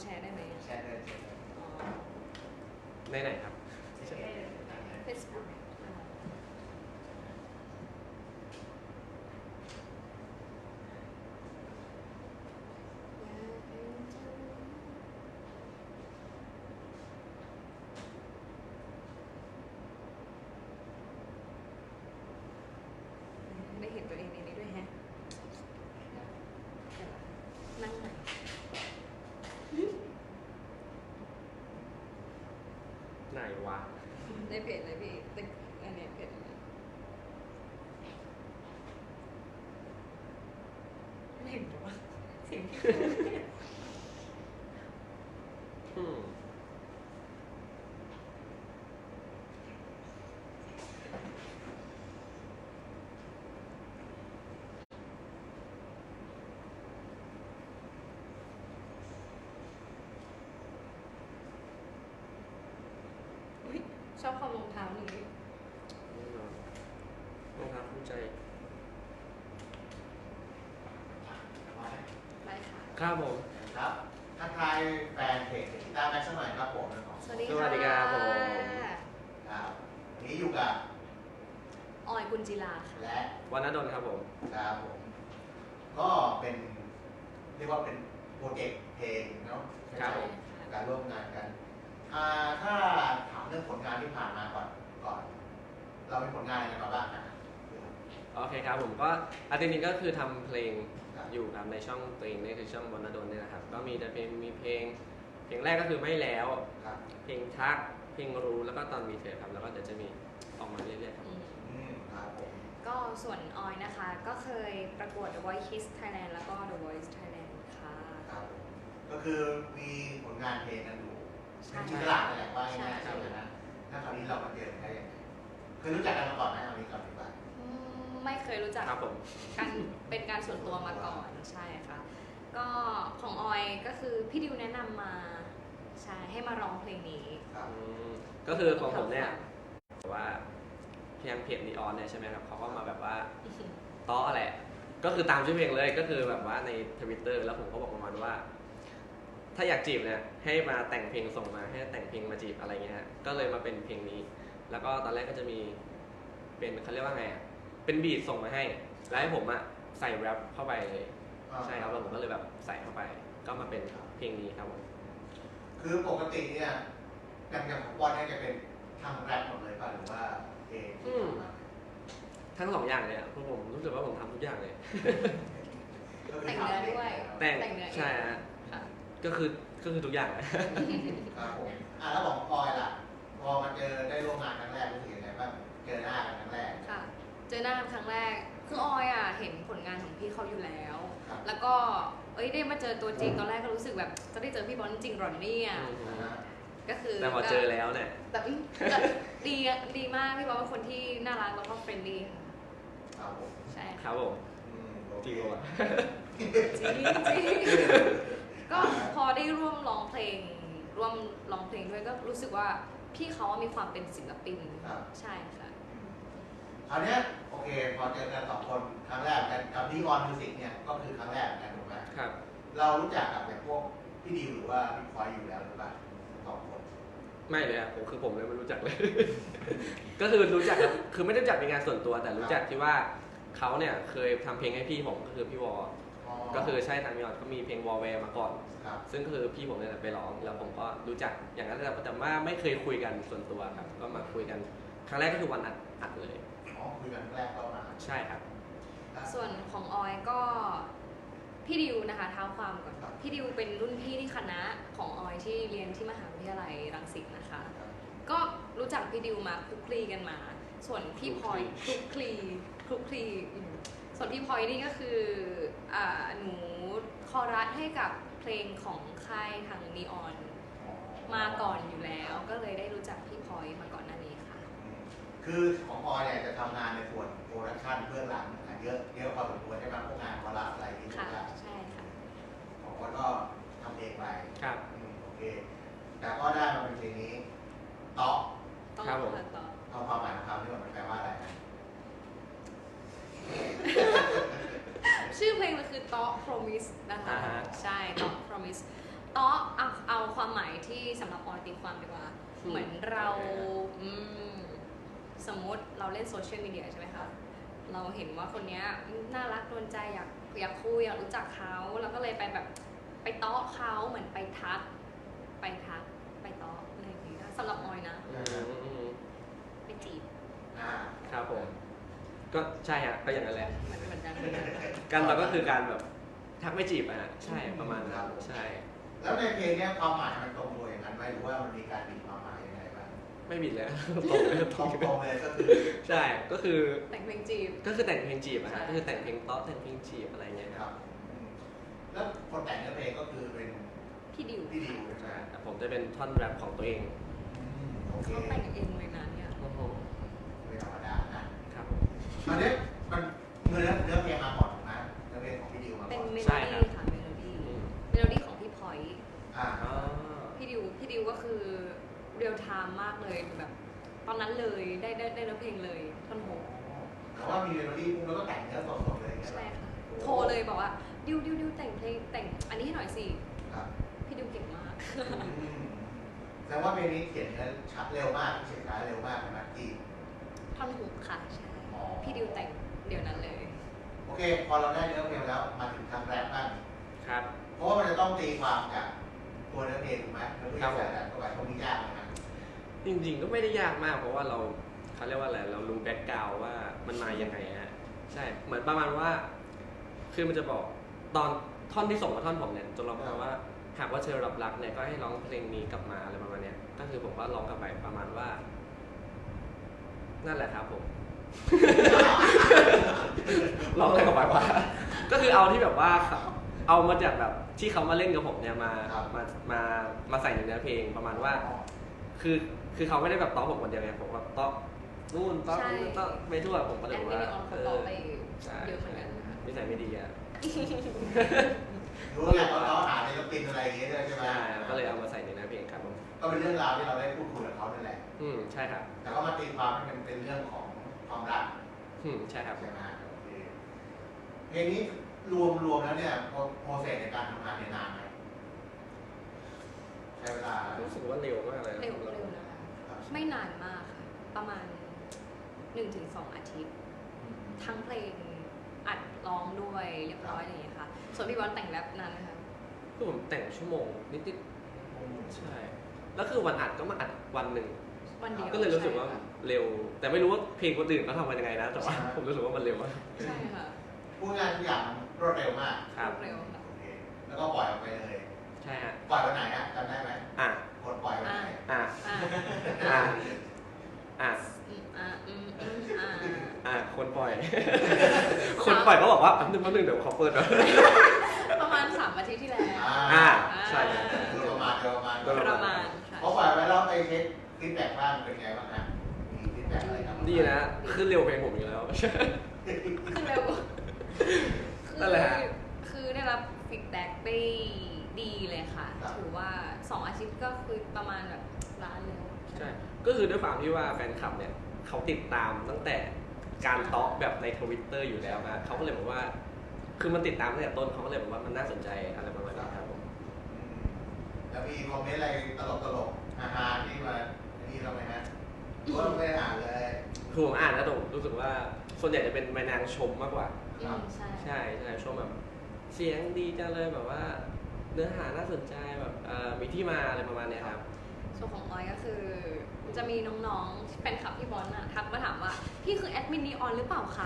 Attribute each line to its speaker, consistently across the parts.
Speaker 1: แชร์ได้ไหม
Speaker 2: แชร์เลย
Speaker 3: ในไหนครับ
Speaker 1: Facebook ได้เห็นตัวเองในนี้ด้วยแฮะนั่งใหม่
Speaker 3: ไหนวะ
Speaker 1: ในเพจเลยพี่ตึกอันนี้เพจไม่เห็นหรอวะสิ่งที่พูดเนี่ย
Speaker 3: อืม
Speaker 1: อุ๊ยชอบความรองเท้านี้
Speaker 3: แน่นอนรองเท้าคู่ใจ
Speaker 1: ได้ค่ะ
Speaker 3: ครับผม
Speaker 2: ครับทักทายแฟนเพจกีตาร์แม็กซ์หน่อยครับผม
Speaker 1: สวัสดี
Speaker 3: สวัสดีครับผม
Speaker 2: ครับวันนี้อยู่กับ
Speaker 1: ออยกุลจิลาค่ะ
Speaker 2: และ
Speaker 3: วันนดลครับผม
Speaker 2: ครับผมก็เป็นเรียกว่าเป็นโปรเจกต์เพลงเนาะ
Speaker 3: ครับผม
Speaker 2: การร่วมงานกันถ้าถามเรื่องผลงานที่ผ่านมาก่อนเรามีผลงานอะไรกันมาบ้างนะ
Speaker 3: โอเคครับผมก็อาทิตย์นี้ก็คือทำเพลง
Speaker 2: ครับ
Speaker 3: อยู่ครับในช่องตัวเองนี่คือช่องวันนดลเนี่ยนะครับก็มีแต่เพลงแรกก็คือไม่แล้ว
Speaker 2: ครับ
Speaker 3: เพลงทักเพลงรู้แล้วก็ตอนมีเธอครับแล้วก็เดี๋ยวจะมีออกมาเรื่อยๆครับ
Speaker 2: ครับผม
Speaker 1: ก็ส่วนออยนะคะ ก็เคยประกวด The Voice Kids Thailand แล้วก็ The Voice Thailand ค่ะ
Speaker 2: ครับผมก็คือมีผลงานเพลงกันอยู่
Speaker 1: ใช่
Speaker 2: เป็นที่ตลาดนั่นแหละว่าง่ายๆใช่ไหมนะถ้าคราวนี้เรามาเจอกันได้ยังไงเคยรู้จักกันมาก่อนไหมเอานี้ก่อนดีกว่า
Speaker 1: ไม่เคยรู้จัก
Speaker 3: ครับผม
Speaker 1: กันเป็นการส่วนตัวมาก่อนใช่ค่ะ ก็ของออยก็คือพี่ดิวแนะนำมาใช่ให้มาร้องเพลงนี้
Speaker 2: ครับ
Speaker 3: อืมก็คือของผมเนี่ยแบบว่าเพลงเพจนีออนเนี่ยใช่ไหมครับเขาก็มาแบบว่าต้อแหละก็คือตามชื่อเพลงเลยก็คือแบบว่าใน Twitter แล้วผมก็บอกประมาณว่า ถ้าอยากจีบเนี่ยให้มาแต่งเพลงส่งมาให้แต่งเพลงมาจีบอะไรเงี้ยฮะก็เลยมาเป็นเพลงนี้ แล้วก็ตอนแรกก็จะมีเป็นเขาเรียกว่าไงอ่ะเป็นบีทส่งมาให้แล้วให้ผมอ่ะใส่แรปเข้าไปเลยใช่ครับแล้วผมก็เลยแบบใส่เข้าไป ก็มาเป็นเพลงนี้ครับผม
Speaker 2: คือปกติเนี่ยอย่างของบอลเนี่ยจะเป็นทางแรปหมดเลยป่ะหรือว่าเพลงที่ทำมา
Speaker 3: ทั้งสองอย่างเลยอ่ะเพราะผมรู้สึกว่าผมทำทุกอย่างเลย
Speaker 2: ก็คื
Speaker 1: แต่งเนื้อด้วย
Speaker 3: แต่ง
Speaker 1: แต่งเนื้อเอง
Speaker 3: ใช่ฮะ
Speaker 1: ค่ะ
Speaker 3: ก็คือทุกอย่างเลย
Speaker 2: ครับผมแล้วของพลอยล่ะพอมาเจอได้ร่วมงานครั้งแรกรู้สึกยังไงบ้างเจอหน้ากันครั้งแรก
Speaker 1: ค่ะ เจอหน้ากันครั้งแรก คือออยอ่ะเห็นผลงานของพี่เขาอยู่แล้ว
Speaker 2: ครับ
Speaker 1: แล้วก็ได้มาเจอตัวจริงตอนแรกก็รู้สึกแบบจะได้เจอพี่บอลจริงๆหรอเนี่ย
Speaker 2: นะฮะ
Speaker 1: ก็คือ
Speaker 3: แต่พอเจอแล้วเนี่ย
Speaker 1: แต่ก็ดีมากพี่บอลเป็นคนที่น่ารักแล้วก็เฟรนลี่ค่ะ
Speaker 2: ครับผม
Speaker 1: ใช่
Speaker 3: ครับผม
Speaker 2: โอเค
Speaker 3: จริงว่ะ
Speaker 1: จริงก็พอได้ร่วมร้องเพลงร่วมร้องเพลงด้วยก็รู้สึกว่าพี่เขามีความเป็นศิลปิน
Speaker 2: ครับ
Speaker 1: ใช่ค่ะ
Speaker 2: คราวเนี้ยโอเคพอเจอกันสองคนครั้งแรกกันกับดีออนมิวสิกเนี่ยก็คือครั้งแรกเหมือนกันถูกไหม
Speaker 3: ครับ
Speaker 2: เรารู้จักกับแบบพวกพี่ดิวหรือว่าพี่พลอยอยู่แล้วหรือเปล่าสองคน
Speaker 3: ไม่เลยอ่ะผมเลยไม่รู้จักเลย ก็คือรู้จักครับคือไม่ได้รู้จักเป็นงานส่วนตัวแต่รู้จักที่ว่าเขาเนี่ยเคยทำเพลงให้พี่ผมก็คือพี่วอ ก็คือใช่ทางมิออนก็มีเพลงวอลแวร์มาก่อน
Speaker 2: ครับ
Speaker 3: ซึ่งคือพี่ผมเนี่ยไปร้องแล้วผมก็รู้จักอย่างนั้นแต่ว่าไม่เคยคุยกันส่วนตัวครับก็มาคุยกันครั้งแรกก็คือวันอัดเลย
Speaker 2: อ๋อคุยกันครั้งแรกก็มา
Speaker 3: ใช่ครับ
Speaker 1: ส่วนของออยก็พี่ดิวนะคะเท้าความก่อนพี่ดิวเป็นรุ่นพี่ที่คณะของออยที่เรียนที่มหาวิทยาลัยรังสิตนะคะ ก็รู้จักพี่ดิวมาคลุกคลีกันมา ส่วนพี่พลอยคลุกคลีส่วนพี่พลอยนี่ก็คือหนูคอรัสให้กับเพลงของค่ายทางนีออนมาก่อนอยู่แล้ว ก็เลยได้รู้จักพี่พลอยมาก่อนหน้านี้ค่ะ
Speaker 2: คือของออยเนี่ยจะทำงานในส่วนโปรดักชั่นเบื้องหลังเยอะพอสมควรใช่ไหมพวกงานคอรัสอะไรที่
Speaker 1: ค่ะ
Speaker 2: ถูก
Speaker 1: ใช่ค่ะ
Speaker 2: ของออยก็ทำเองไป
Speaker 3: ครับ
Speaker 2: โอเค แต่ก็ได้มาเป็นเพลงนี้ต๊อก
Speaker 1: ต้อง
Speaker 3: ครับผม
Speaker 1: ต่อ
Speaker 2: เอาความหมายของคำที่มันแปลว่าอะไรนะ
Speaker 1: ชื่อเพลงมันคือต๊อก promise นะคะ
Speaker 3: อ่าฮะ
Speaker 1: ใช่ต๊อก promise ต๊อกอ่ะเอาความหมายที่สำหรับออยตีความดีกว่าเหมือนเราสมมติเราเล่นโซเชียลมีเดียใช่ไหมคะเราเห็นว่าคนนี้น่ารักโดนใจอยากคุยอยากรู้จักเขาเราก็เลยไปแบบไปเตาะเขาเหมือนไปทักไปเตาะอะไรอย่างเงี้ยสำหรับออยนะไปจีบ
Speaker 3: ครับผมก็ใช่ฮะก็อย่างนั้นแหละ
Speaker 1: เหมือนกัน
Speaker 3: การเราก็คือการแบบทักไม่จีบอ่ะใช่ประมาณนั้นใช่
Speaker 2: แล้วในเพลงเนี้ยความหมายมันตรงตัวอย่างนั้นไหมหรือว่ามันมีการบิดความหมายยังไงบ้าง
Speaker 3: ไม่บิดแล้ว ตรงเลย
Speaker 2: ตรงเลยก็คือ
Speaker 3: ใช่ก็คือ
Speaker 1: แต่งเพลงจีบ
Speaker 3: ก็คือแต่งเพลงจีบอะฮะก็คือแต่งเพลงเต๊ะแต่งเพลงจีบอะไรเงี้ย
Speaker 2: ค
Speaker 3: ค
Speaker 2: รั
Speaker 3: รั
Speaker 2: บบ แล้วคนแต่งเนื้อเพลงก็คือเป็น
Speaker 1: พี่ดิว
Speaker 2: พี่ดิวใช่ไหม
Speaker 3: แต่ผมจะเป็นท่อนแรปของตัวเอง
Speaker 2: โอเค
Speaker 1: เขาแต่งเองเลยนะเนี่ย
Speaker 3: โอ้โห
Speaker 2: ไม่ธรรมดานะครับ
Speaker 3: ผม
Speaker 2: มันเนี้ยมันเนื้อเพลงมาก่อนถูกไหมเนื้อเพลงของพี่ดิวมา
Speaker 1: เป็น
Speaker 2: ก่อน
Speaker 1: เมโล
Speaker 3: ใช่ครั
Speaker 1: ดี้
Speaker 3: บ
Speaker 1: ค่ะเมโลดี้
Speaker 3: อืม
Speaker 1: เมโลดี้ของพี่พอยต์
Speaker 2: อ่า
Speaker 3: อ๋อ
Speaker 1: พี่ดิวก็คือเรียลไทม์มากเลยแบบตอนนั้นเลยได้เนื้อเพลงเลยท่อนโฮ
Speaker 2: แต่ว่ามีเมโลดี้แล้วก็แต่งเนื้อสดๆเลยอย่างเงี้ย
Speaker 1: ใช่ค่ะโทรเลยบอกว่าดิวแต่งเพลงแต่งอันนี้ให้หน่อยสิ
Speaker 2: ครับ
Speaker 1: พี่ดิวเก่งมาก
Speaker 2: แสดงว่าเพลงนี้เขียนเนื้อชัดเร็วมากเขียนช้าเร็วมากนะที่
Speaker 1: ท่อนฮุกค่ะใช่
Speaker 2: อ๋อ
Speaker 1: พี่ดิวแต่งเดี๋ยวนั้นเลย
Speaker 2: โอเค พอเราได้เนื้อเพลงแล้วมาถึงทางแรปบ้าง
Speaker 3: ครับ
Speaker 2: เพราะว่ามันจะต้องตีความจากตัวเนื้อเพลงถูกไหมแล้วก็ใส่แรปเข้าไปตรงนี้ยากนะ
Speaker 3: จริงๆก็ไม่ได้ยากมากเพราะว่าเราเขาเรียกว่าอะไรเรารู้แบ็กกราวด์ว่ามันมายังไงฮะใช่เหมือนประมาณว่า คือมันจะบอกตอนท่อนที่ส่งมาท่อนผมเนี่ยจนเราบอกว่าหากว่าเธอรับรักเนี่ยก็ให้ร้องเพลงนี้กลับมาอะไรประมาณเนี้ยก็คือผมก็ร้องกลับไปประมาณว่า นั่นแหละครับผม ร้องอะไรกลับไปว่า ก็คือเอาที่แบบว่าเอามาจากแบบที่เขามาเล่นกับผมเนี่ยมาใส่ในเนื้อเพลงประมาณว่า คือเขาไม่ได้แบบต้อผมคนเดียวไงผมแบบต้อนู่นต้อนี่ต้อไปทั่วผมก็เลย
Speaker 1: แอน
Speaker 3: บอก
Speaker 1: มิ
Speaker 3: ว่า
Speaker 1: นิออนเขาต่อไป
Speaker 3: ใช่
Speaker 1: เยอะเหมือนกัน
Speaker 3: นิสัยไม่ดีอ่ะ
Speaker 2: รู้แหละว่าเขาหาในสปินอะไรอย่างเงี้ยด้วยใช่ไหม
Speaker 3: ใช่ก็เลยเอามาใส่ในเนื้อเพลงครับผม
Speaker 2: ก็เป็นเรื่องราวที่เราได้พูดคุยกับเขานั่นแหละ
Speaker 3: ใช่ครับ
Speaker 2: แต่ก็มาตีความให้มันเป็นเรื่องของความรัก
Speaker 3: ใช่ครับ
Speaker 2: ใช่ไหมโอเคเพลงนี้รวมแล้วเนี่ยโปรเซสในการทำงานเนี่ยนานไหมใช้เวลา
Speaker 3: รู้สึกว่าเร็วมากเลย
Speaker 1: เร็วนะคะ ไม่นานมากค่ะ ประมาณ 1-2 อาทิตย์ ทั้งเพลงอัดร้องด้วยเรียบร้อยอะไรอย่างเงี้ยค่ะ ส่วนพี่บอลแต่งแรปนั้นนะคะ
Speaker 3: คือผมแต่งชั่วโมงนิดๆใช่แล้วคือวันอัดก็มาอัดวันหนึ่ง
Speaker 1: วันเดียว
Speaker 3: ก็เลยรู้สึกว่า
Speaker 1: ใช่ค่ะ
Speaker 3: เร็ว แต่ไม่รู้ว่าเพลงคนอื่นเขาทำกันยังไงนะแต่ว่าผมรู้สึกว่ามันเร็วมาก
Speaker 1: ใช่ค่ะ
Speaker 2: พูดงานทุกอย่างมันรวดเร็วมาก
Speaker 3: ครับ
Speaker 1: เร็วค่ะ
Speaker 2: โอเคแล้วก็ปล่อยออกไปเลย
Speaker 3: ใช่ฮะ
Speaker 2: ปล่อยวันไหนอะจำได้ไหม
Speaker 3: อ่ะ
Speaker 2: กดปล่อยวันไหน
Speaker 3: อ่ะ
Speaker 1: อ่า
Speaker 3: อ่ะอ่ะ
Speaker 1: อ่า
Speaker 3: คนปล่อย คนปล่อยก็บอกว่าแป๊บนึงเดี๋ยวขอเปิดหน่อย
Speaker 1: ประมาณ 3 อาทิตย์ที่แล้ว
Speaker 3: ใช่
Speaker 2: โดยประมาณ
Speaker 1: ประมาณค่ะ
Speaker 2: เพราะปล่อยไว้แล้วไปเช็คฟีดแบ็กบ้างเป็นไงบ้างฮะมีฟีดแบ็กอะไรครับ
Speaker 3: ดีนะขึ้นเร็วเพลงผมอยู่แล้ว
Speaker 1: คือเร็ว
Speaker 3: นั่นแหละฮะ
Speaker 1: คือได้รับฟีดแบ็กได้ดีเลยค่ะ ถือว่า 2 อาทิตย์ก็คือประมาณแบบล้านแล้ว
Speaker 3: ใช่ ก็คือด้วยความที่ว่าแฟนคลับเนี่ยเขาติดตามตั้งแต่การตอกแบบใน Twitter อยู่แล้วนะเขาก็เลยบอกว่า คือมันติดตามตั้งแต่ต้นเขาก็เลยบอกว่ามันน่าสนใจอะไรประมาณนี้ครับผม
Speaker 2: แล้วมีคอมเมนต์อะไรตลกๆฮาๆที่มานี่เราไหมฮะหรือว่าไม่ได้อ่านเลย
Speaker 3: คือผมอ่านแล้วผมรู้สึกว่าส่วนใหญ่จะเป็นแม่นางชมมากกว่า
Speaker 1: ใช่
Speaker 3: ใช่ชมแบบเสียงดีจังเลยแบบว่า เนื้อหาน่าสนใจแบบมีที่มาอะไรประมาณเนี้ยครับ
Speaker 1: ส่วนของออยก็คือจะมีน้องๆที่เป็นขับพี่บอลน่ะทักมาถามว่าพี่คือแอดมินนีออนหรือเปล่าคะ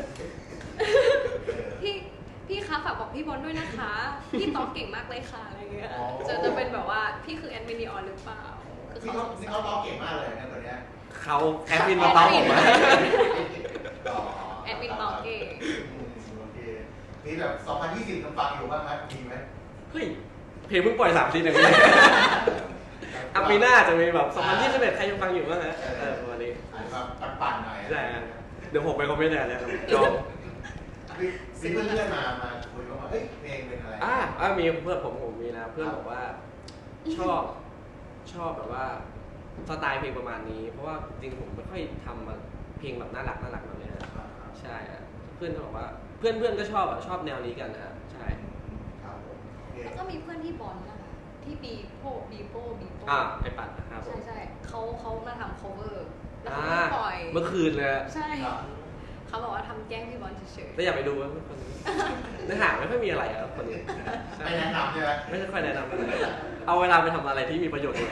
Speaker 1: พี่คะฝากบอกพี่บอลด้วยนะคะ พี่ตอบเก่งมากเลยค่ะอะไรเงี้ยจะเป็นแบบว่าพี่คือแอดมินนีออนหรือเปล่าคือ
Speaker 2: นี่เขาตอบเก่งมากเลยนะตัวเนี้ย
Speaker 3: เขาแอดมินมาตอบผมอะ
Speaker 1: แอดมินตอบเก่ง
Speaker 2: โอเคมีแบบ2020กำฟังอยู่บ้างไหมมีไหม
Speaker 3: เฮ้ยเพลงเพิ่งปล่อย3 ทีเองอ่ะปีหน้าจะมีแบบ2021ใครยังฟังอยู่บ้างฮะประมาณนี้
Speaker 2: อาจจะแบบปั่นๆหน่อย
Speaker 3: ใช่ฮะเดี๋ยวผมไปคอมเมนต์เนี่ยจอง
Speaker 2: มีเพื่อนๆมาคุยว่าเอ้ยเพลงเป็นอะไร
Speaker 3: มีเพื่อนผมมีนะเพื่อนบอกว่าชอบแบบว่าสไตล์เพลงประมาณนี้ เพราะว่าจริงๆผมไม่ค่อยทำมาเพลงแบบน่ารักแบบนี้นะใช่อะเพื่อนก็บอกว่าเพื่อนก็ชอบแนวนี้กันนะฮะใช่
Speaker 2: ครับผมโอเค
Speaker 1: แล้วก็มีเพื่อนที่บอลนะคะที่บีโป้บีโป้
Speaker 3: ไอปัดนะครับผม
Speaker 1: ใช่เขามาทำ cover แล้ว
Speaker 3: อ่า
Speaker 1: เขาก็ปล่อย
Speaker 3: เมื่อคืนเลยอะ
Speaker 1: ใช่
Speaker 2: ครับ
Speaker 1: เขาบอกว่าทำแกล้งพี่บอลเฉย
Speaker 3: แต่อยากไปดูว่าคนนี้เนื้อหาไม่ค่อยมีอะไรอะคนนี้ใช่
Speaker 2: ไม่แนะนำใช่ไหม
Speaker 3: ไม่ค่อยแนะนำเลยเอาเวลาไปทำอะไรที่มีประโยชน์เลย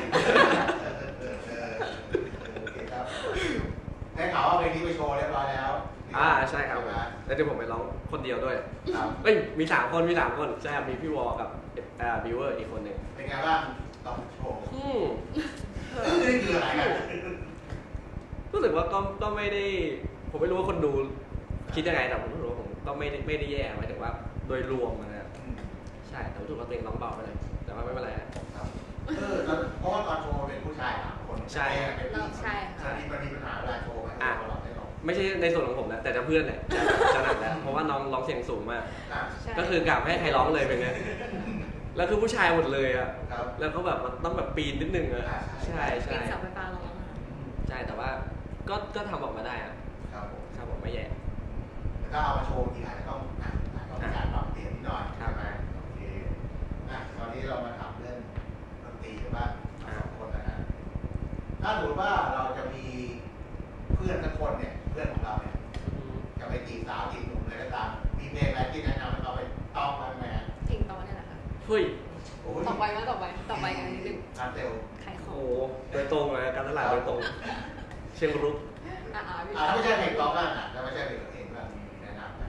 Speaker 2: โอเคครับได้ข่าวว่าเพลงนี้ไปโชว์เรียบร้อยแล้ว
Speaker 3: ใช่ครับ
Speaker 2: ไหม
Speaker 3: แล้วเดี๋ยวผมไปร้องคนเดียวด้วย
Speaker 2: ครับ
Speaker 3: เอ้ยมี3 คนใช่ครับมีพี่วอกับบิวเวอร์อีกคนหนึ่ง
Speaker 2: เป็นไงบ้างลองโชว์ นี่คืออะไรกัน
Speaker 3: รู้สึกว่าก็ไม่ได้ผมไม่รู้ว่าคนดูคิดยังไงแต่ผมรู้สึกว่าผมก็ไม่ได้แย่หมายถึงว่าโดยรวมนะครับใช่แต่รู้สึกว่าตัวเองร้องเบาไปเลยแต่ว่าไม่เป็นไรนะ
Speaker 2: แล้วเพราะว่าตอนโชว์เป็นผู้ชาย3 คน
Speaker 3: ใช่
Speaker 2: เป็นผู้หญิง
Speaker 1: ใช่ค่ะ
Speaker 2: มันมีปัญหาเวลาโชว์ไหมเราหลับไม่หรอก
Speaker 3: ไม่ใช่ในส่วนของผมนะแต่จะเพื่อนเนี่ยจะหนักแล้วเพราะว่าน้องร้องเสียงสูงมาก
Speaker 1: ใช่
Speaker 3: ก็คือกลับให้ใครร้องเลยเป็นไงแล้วคือผู้ชายหมดเลยอะ
Speaker 2: ครับ
Speaker 3: แล้วก็แบบมันต้องแบบปีนนิดนึงอะใช่
Speaker 1: ปี
Speaker 3: ใช่
Speaker 1: นเสาไฟฟ้าลงมา
Speaker 3: ใช่แต่ว่าก็ทำออกมาได้อะ
Speaker 2: ครับผม
Speaker 3: ครับผมไม่แย่
Speaker 2: ถ้าเอามาโชว์ทีอาจจะต้องมีการปรับเปลี่ยนนิดหน่อย
Speaker 3: ครับ
Speaker 2: ใช่ไหมโอเคตอนนี้เรามาถามเรื่องดนตรีกันบ้าง2 คนนะฮะถ้าสมมติว่าเราจะมีเพื่อนสักคนเนี่ยเพื่อนของเราเนี่ยจะไปจีบสาวจีบหนุ่มอะไรก็ตามมีเพลงอะไรที่แนะนำให้เราไปต้องบ้างไหมฮะ
Speaker 1: เพลงต่อเนี่ยแหละค่ะ
Speaker 3: เฮ้ย
Speaker 2: โอ้ย
Speaker 1: ต่อไปกันนิดนึง
Speaker 2: การเซล
Speaker 1: ขายข
Speaker 3: โอ้
Speaker 1: อง
Speaker 3: โหโดยตรงเลยการตลาดโดยตรง เชียงรุก
Speaker 1: พี่
Speaker 2: ถ้าไม่ใช่เพลงร้องบ้างอ่ะถ้าไม่ใช่เพลงเองบ้างมีแนะนำไหม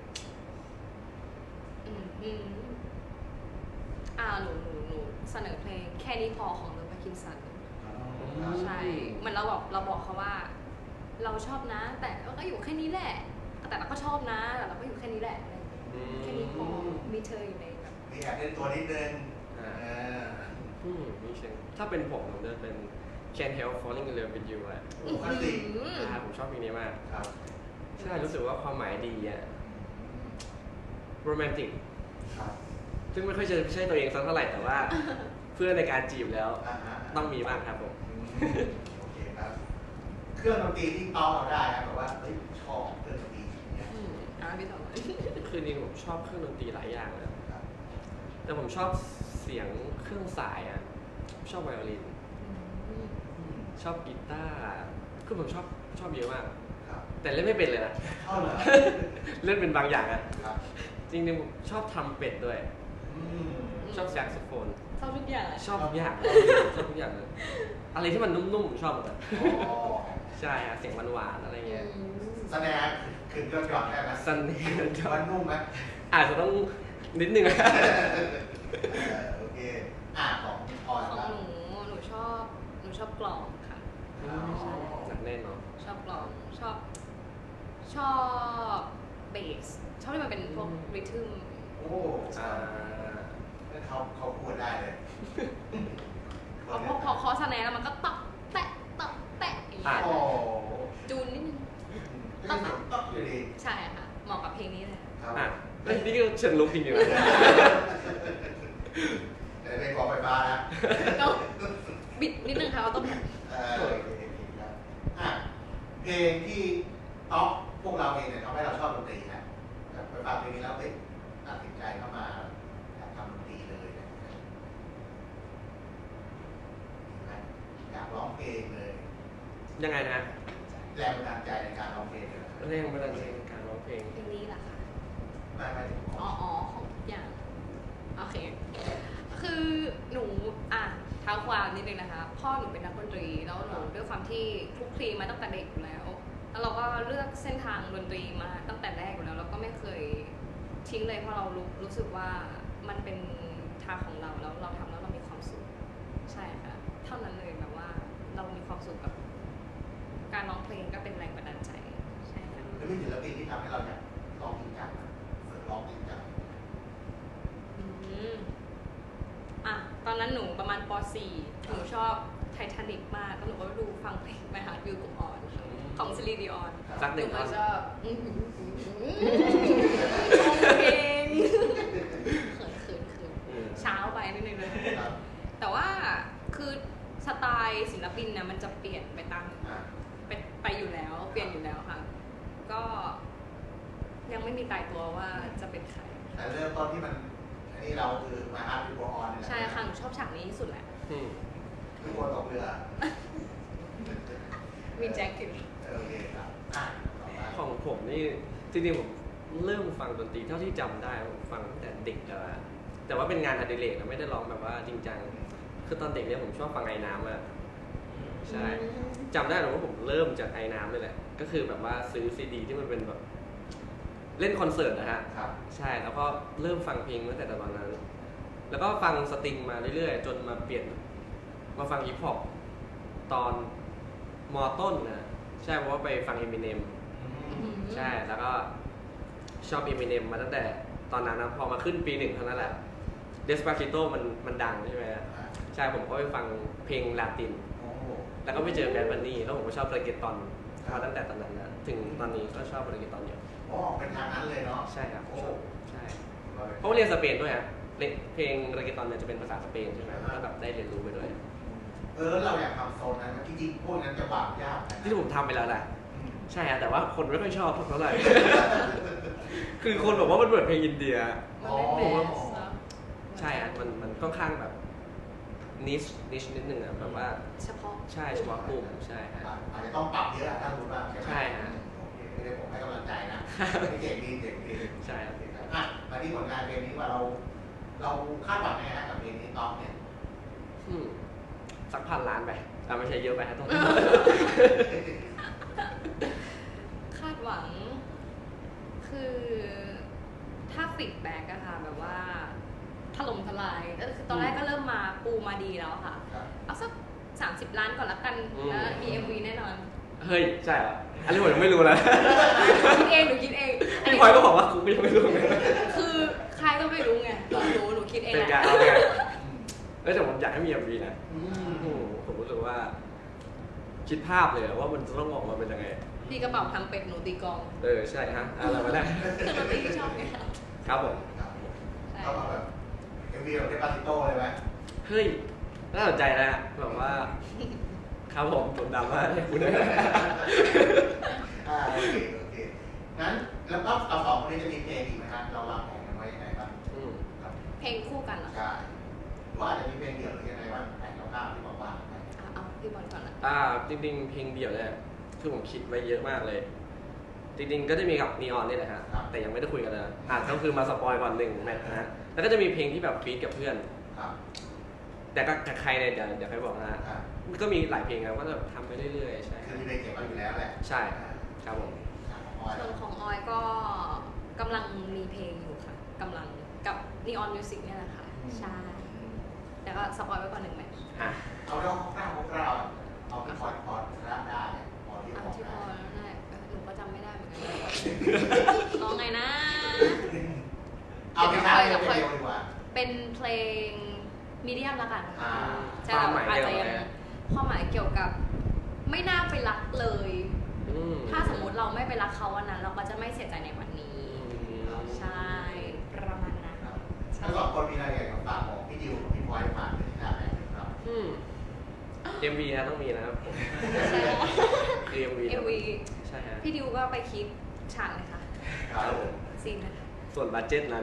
Speaker 1: หนูเสนอเพลงแค่นี้พอของเดอะแพคคินสัน
Speaker 3: ม
Speaker 1: ใช่เหมือนเราบอกเขาว่า เราชอบนะ แต่ก็อยู่แค่นี้แหละ แต่เราก็ชอบนะแต่เราก็อยู่แค่นี้แหละอะไรอย่างเงี้ยแค่นี้พอมีเธออยู่ในแบบ
Speaker 2: มีแอบเล่นตัวนิดนึง
Speaker 3: มีเชียงถ้าเป็นผมจะเป็น Can't Help Falling in Love with You อะ
Speaker 2: โอ้คลาสสิก
Speaker 3: ผมชอบเพลงนี้มาก
Speaker 2: ครับ
Speaker 3: ใช่รู้สึกว่าความหมายดีอะโรแมนติก
Speaker 2: ครับ
Speaker 3: ซึ่งไม่ค่อยจะใช่ตัวเองสักเท่าไหร่แต่ว่า เพื่อนในการจีบแล้ว
Speaker 2: ฮะ
Speaker 3: ต้องมีบ้างครับผม
Speaker 2: โอเคครับ เครื่องดนตรีที่ต้องเราได้ครับแบบว่าเฮ้ยชอบเครื่องดนตรีอย่างเงี้ย
Speaker 1: พี่ต่อ
Speaker 3: คือจริงๆผมชอบเครื่องดนตรีหลายอย่างเลย
Speaker 2: ครับ
Speaker 3: แต่ผมชอบเสียงเครื่องสายอะชอบไวโอลิน ชอบกีตาร์คือผมชอบเยอะมาก
Speaker 2: ครับ
Speaker 3: แต่เล่นไม่เป็นเลยนะ
Speaker 2: เข้าเหรอ
Speaker 3: เล่นเป็นบางอย่างอะ
Speaker 2: ครับ
Speaker 3: จริงๆผมชอบทำเป็ดด้วย
Speaker 2: อืม
Speaker 3: ชอบแซกโซโฟน
Speaker 1: ชอบทุกอย่าง
Speaker 3: ชอบทุกอย่างชอบทุกอย่างเลย อะไรที่มันนุ่มๆชอบหมดเลย
Speaker 2: อ๋อ
Speaker 3: ใช่ฮะเสียงหวานๆอะไรเงี้ย
Speaker 2: แสดงขึ้นยอดได้ไหม
Speaker 3: ซันนี่
Speaker 2: มันนุ่มไหม
Speaker 3: อาจจะต้องนิดนึง
Speaker 2: โอเคของออย
Speaker 1: ของ
Speaker 2: บ้าง
Speaker 1: หนูชอบกลองค่ะ
Speaker 3: หนักแน่นเนาะ
Speaker 1: ชอบกลองชอบเบสชอบที่มันเป็นพวกริทึม
Speaker 2: โอ้เขาพูดได้เลย
Speaker 1: พอเคอสแนนแล้วมันก็ตอกแตะตอกแตะอย่างเงี้ย
Speaker 2: โอ้
Speaker 1: จูนนิดนึง
Speaker 2: ต้องอยู่ดี
Speaker 1: ใช่ค่ะเหมาะกับเพลงนี้เลย
Speaker 2: ครับ
Speaker 3: อ่ะเอ้ยนี่ก็เชิงลุกจริงๆนะ
Speaker 2: แต่เป็นกองไฟฟ้านะ
Speaker 1: ก็บิดนิดนึงค่ะเอาต้นแบบ
Speaker 2: โอเคครับเพลงที่ท็อปพวกเราเองเนี่ยทำให้เราชอบดนตรีนะไปฟังเพลงนี้แล้วติดตัดสินใจเข้ามาทำดนตรีเลยอยากร้องเพลงเลย
Speaker 3: ยังไงนะ
Speaker 2: แรงบันดาลใจในการร้องเพลงเลย
Speaker 3: เรื่องบันดาลใจในการร้องเพลง
Speaker 1: เพลงนี้แหละค่ะ
Speaker 2: ไม่ถึงข
Speaker 1: อ๋
Speaker 2: อ
Speaker 1: องของทุกอย่างโอเคคือหนูเท้าความนิดนึงนะคะพ่อหนูเป็นนักดนตรีแล้วหนูด้วยความที่คลุกคลีมาตั้งแต่เด็กอยู่แล้วแล้วเราก็เลือกเส้นทางดนตรีมาตั้งแต่แรกอยู่แล้วเราก็ไม่เคยทิ้งเลยเพราะเรารู้สึกว่ามันเป็นทางของเราแล้วเราทำแล้วเรามีความสุขใช่ค่ะเท่านั้นเลยแบบว่าเรามีความสุขกับการร้องเพลงก็เป็นแรงบันดาลใจใช่ค่ะ
Speaker 2: แล้วมีศิลปินที่ทำให้เราเนี่ยร้องจริงจังฝึกร้องจริงจัง
Speaker 1: ตอนนั้นหนูประมาณป .4 หนูชอบไททานิกมากแล้วหนูก็ดูฟังเพลงไปหาวิวกับออนของซิลีดิออน
Speaker 3: สักหนึ่ง
Speaker 1: หนู
Speaker 3: ท่
Speaker 1: ก็
Speaker 3: อน
Speaker 1: ชอบเพลงเขินเช้าไปนิดนึงเลย
Speaker 2: ครับ
Speaker 1: แต่ว่าคือสไตล์ศิลปินนะมันจะเปลี่ยนไปตามไปอยู่แล้วเปลี่ยนอยู่แล้วค่ะก็ยังไม่มีตายตัวว่าจะเป็นใคร
Speaker 2: แต่เริ่มต้นที่มันอันนี้นี่เราคือมาฮาร์ดวิวออนนี่แหละ
Speaker 1: ใช่ค่ะหนูชอบฉากนี้ที่สุดแหละ
Speaker 3: อืม
Speaker 2: คือคนตกเรือ
Speaker 1: มีแจ็คอยู่
Speaker 2: โอเคครับอ่ะต่อมา
Speaker 3: ของผมนี่จริงๆผมเริ่มฟังดนตรีเท่าที่จำได้ผมฟังตั้งแต่เด็กแล้วอะแต่ว่าเป็นงานอดิเรกนะไม่ได้ร้องแบบว่าจริงจังคือตอนเด็กเนี่ยผมชอบฟังไอ้น้ำอะใช่จำได้เลยว่าผมเริ่มจากไอ้น้ำเลยแหละก็คือแบบว่าซื้อซีดีที่มันเป็นแบบเล่นคอนเสิร์ตนะฮะ
Speaker 2: ครับ
Speaker 3: ใช่แล้วก็เริ่มฟังเพลงตั้งแต่ตอนนั้น แล้วก็ฟังสตริงมาเรื่อยๆ จนมาเปลี่ยนมาฟังฮิปฮอปตอนมต้นนะใช่เพราะว่าไปฟัง Eminem ใช่แล้วก็ชอบ Eminem มาตั้งแต่ตอนนั้นนะพอมาขึ้นปี 1เท่านั้นแหละ Despacito มันดังใช่ไหมฮะใช่ผมก็ไปฟังเพลงลาติน
Speaker 2: โอ้โห
Speaker 3: แล้วก็ไปเจอแบดบันนี่แล้วผมก็ชอบเรเกตตอนมาตั้งแต่ตอนนั้นนะถึงตอนนี้ก็ชอบเรเกตตอนอยู่
Speaker 2: อ๋อเป็นทางนั้นเลยเนาะ
Speaker 3: ใช่ครับ
Speaker 2: โอ้
Speaker 3: ชอบใช่เพราะว่าเรียนสเปนด้วยฮะเพลงเรเกตตอนเนี่ยจะเป็นภาษาสเปนใช่ไหมก็แบบได้เรียนรู้ไปด้วย
Speaker 2: แล้วเราอยากทำโซนนั้นจริงๆพวกนั้นจะบาปยากนะ
Speaker 3: ที่ผมทำไปแล้วแหละ
Speaker 2: อืม
Speaker 3: ใช่ฮะแต่ว่าคนไม่ค่อยชอบเท่าไหร่ คือคนบอกว่ามันเหมือนเพลงอินเดีย
Speaker 1: มันเป็นเบสเนอะ
Speaker 3: ใช่ฮะมันค่อนข้างแบบนิชนิดนึงอะแบบว่า
Speaker 1: เฉพาะ
Speaker 3: ใช่เฉพาะกลุ่มใช่ฮะ
Speaker 2: อาจจะต้องปรับเยอะถ้ารู้บ้างไหม
Speaker 3: ใช่ฮะ
Speaker 2: โอเคไม่ได้ผมให้กำลังใจนะเก่งดีเก่งดี
Speaker 3: ใช่ครับ
Speaker 2: อ่ะมาที่ผลงานเพลงนี้ว่าเราคาดหวังไงฮะกับเพลงนี้ต๊อกเนี่ย
Speaker 3: สัก1,000 ล้านไปไม่ใช่เยอะไปฮะต้อง
Speaker 1: คาดหวัง คือถ้าฟีดแบ็กอะค่ะแบบว่าถล่มทลายก็คือตอนแรกก็เริ่มมาปูมาดีแล้วค่ะ
Speaker 2: ครับ
Speaker 1: เอาสัก30 ล้านก่อนละกันแล้วมี MV แน่นอน
Speaker 3: เฮ้ยใช่เหรออันนี้ผมยังไม่รู้เลย
Speaker 1: คิดเองหนูคิดเอง
Speaker 3: พี่พลอยก็บอกว่าคุณก็ยังไม่รู้ไง
Speaker 1: คือใครก็ไม่รู้ไงหนูคิดเอง
Speaker 3: เป็น
Speaker 1: แห
Speaker 3: การ
Speaker 1: ละ
Speaker 3: เอาไงแต่ผมอยากให้มี MV นะ
Speaker 2: อืม
Speaker 3: ผมรู้สึกว่า คิดภาพเลยว่ามันจะต้องออกมาเป็นยังไง
Speaker 1: ตีกระเป๋าทำเป็ดหนูตีกลอง
Speaker 3: ใช่ฮะอะไรมาได้
Speaker 1: คือดนตรีที่ชอบไงคะ
Speaker 3: ครับผม
Speaker 2: ครับ
Speaker 1: ใช่
Speaker 2: เข้ามาแบบเอ็มวีแบบเดปาติโต้เลยไหม
Speaker 3: เฮ้ยน่าสนใจนะแบบว่า ครับผมผมดำมากเลยคุณเลย
Speaker 2: โอเคโอเคงั้นแล้วก็เราสองคนนี้จะมีเพลงอีกไหมครับเราวางแผนกันไว้ยังไงบ้างครับ
Speaker 1: เพลงคู่กันเหรอ
Speaker 2: ใช่หรือว่าอาจจะมีเพลงเดี่ยวหรือยังไงบ้างแผนคร่าวๆที่บอกว่าไหม
Speaker 1: เอาพี่บอลก่อนละ
Speaker 3: จริงๆเพลงเดี่ยวเนี่ยคือผมคิดไว้เยอะมากเลย จริงๆก็จะมีกับนีออนนี่แหละฮะแต่ยังไม่ได้คุยกันเลยก็คือมาสปอยก่อน1แมทนะฮะแล้วก็จะมีเพลงที่แบบฟีดกับเพื่อน
Speaker 2: ครับ
Speaker 3: แต่ก็กับใครเนี่ยเดี๋ยวใครบอกนะฮะ
Speaker 2: ครับ
Speaker 3: ก็มีหลายเพลงนะก็จะทำไปเรื่อยๆใช่
Speaker 2: คือมีเพลงเก็บไว้อยู่แล้วแหละ
Speaker 3: ใช่ครับผม
Speaker 1: ส่วนของออยก็กำลังมีเพลงอยู่ค่ะกำลังกับ Neon Music เนี่ยแหละค่ะ ใช่แต่ก็สปอยไว้ก่อน1 แมท
Speaker 3: อ่ะ
Speaker 2: เอาเรื่องคร่าวๆเอาที่พอดรับได้พอที่
Speaker 1: เอา
Speaker 2: พอ
Speaker 1: ที่พ
Speaker 2: ได้
Speaker 1: อแล้วได้หนูก็จำไม่ได้เหมือนกันร้องไงนะ
Speaker 2: เอาที่ท้ายเร็วดีกว่า
Speaker 1: เป็นเพลงมีเดียมละกัน
Speaker 2: อ่า
Speaker 1: ใช่อาจจะยังความหมายเกี่ยวกับไม่น่าไปรักเลย ถ้าสมมติเราไม่ไปรักเขาวันนั้น เราก็จะไม่เสียใจในวันนี้ ใช่ประมาณนั้น
Speaker 2: ทั้งสองคนมีรายละเอียดของฝากของพี่ดิวกับพี่พลอยผ่านไปที่หน้าแบงค์ครับ
Speaker 3: MV นะต้องมีนะครับผม
Speaker 1: ใช่
Speaker 3: คือ MV
Speaker 1: เอวี
Speaker 3: ใช่ฮะ
Speaker 1: พี่ดิวก็ไปคิดฉากเลยค่ะ
Speaker 2: ครับผม
Speaker 1: ซีนนะคะ
Speaker 3: ส่วนบัตเจ็ตนั้น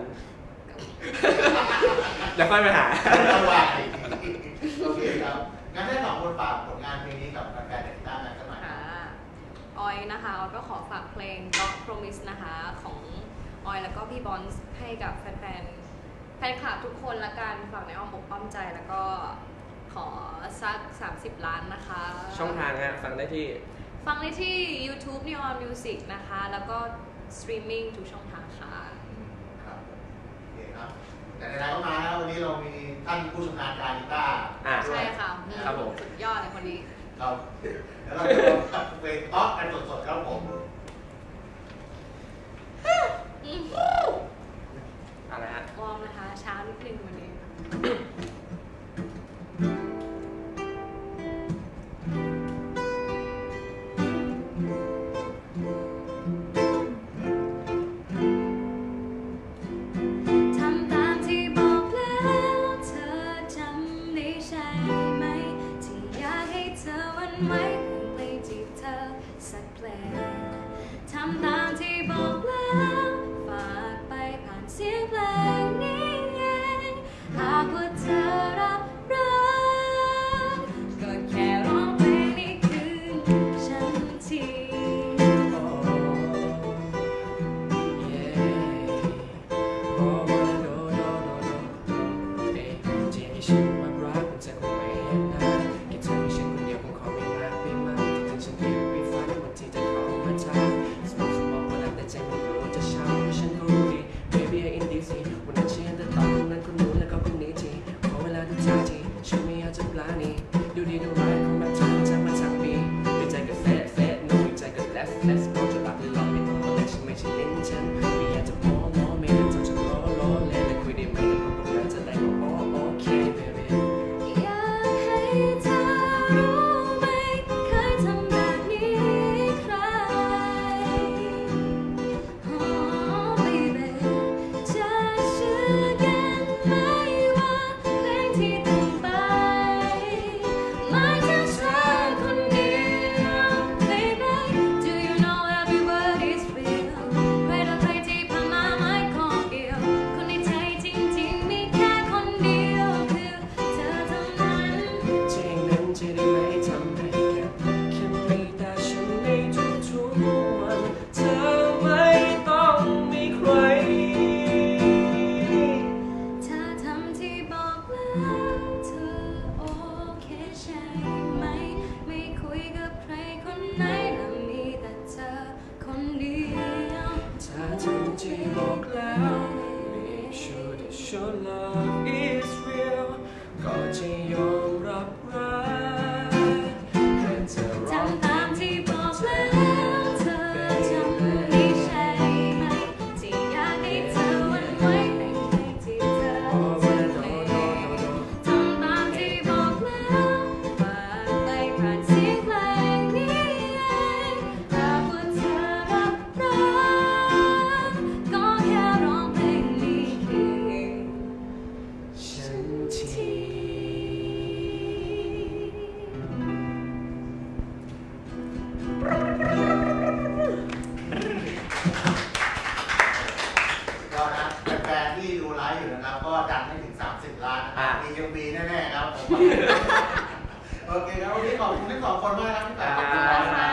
Speaker 3: เดี๋ยวค่อยไปหา
Speaker 2: จังหวะโอเคครับงั้นให้สองคนฝากผลงานเพลงนี้กับแฟนๆในที่หน้าแบงค์กันหน่อย
Speaker 1: ค่ะออยนะคะออยก็ขอฝากเพลง God Promise นะคะของออยแล้วก็พี่บอนส์ให้กับแฟนคลับทุกคนละกันฝากในอ้อมอกอ้อมใจแล้วก็ขอสัก30 ล้านนะคะ
Speaker 3: ช่องทางฮะฟังได้ที่
Speaker 1: ฟังได้ที่ YouTube Neon Music นะคะ แล้วก็สตรีมมิ่งทุกช่องทางค่ะ
Speaker 2: ครับโอเคครับแต่ในรายก็มาแล้ววันนี้เรามีท่านผู้ชำนาญการกีตาร์
Speaker 1: ใช่ค่ะ
Speaker 3: ครับผม
Speaker 1: สุดยอดเลยคนนี้
Speaker 2: ครับแล้วเราจะลองทำเพลงต๊อกกันสดๆครับผม
Speaker 3: อะไรฮะ
Speaker 1: วอร์มนะคะช้านิดนึงวันนี้ ทำตามที่บอกแล้วเธอจำได้ใช่ไหม ที่อยากให้เธอวันไหวเพื่อเพลง
Speaker 3: your love is real ก็จะยอมรับรักแค่เธอร้อง
Speaker 1: ทำตามที่บอกแล้วเธอจำไม่ใช่ไหมที่อยากให้เธอวันไว้แต่งเพลงที่เธอจะเพลงทำตามที่บอกแล้วฝากไปผ่านเสียงเพลงนี้เองหากว่าเธอรับรักก็แค่ร้องเพลงนี้เอง
Speaker 3: ฉันที
Speaker 2: ก็นะแฟนๆที่ดูไลฟ์อยู่นะครับ ก็ดันให้ถึง 30 ล้านนะครับมียังมีแน่ๆครับผมโอเคครับวันนี้ขอบคุณทั้งสองคนมากครับพี่แปะขอบคุณมากนะ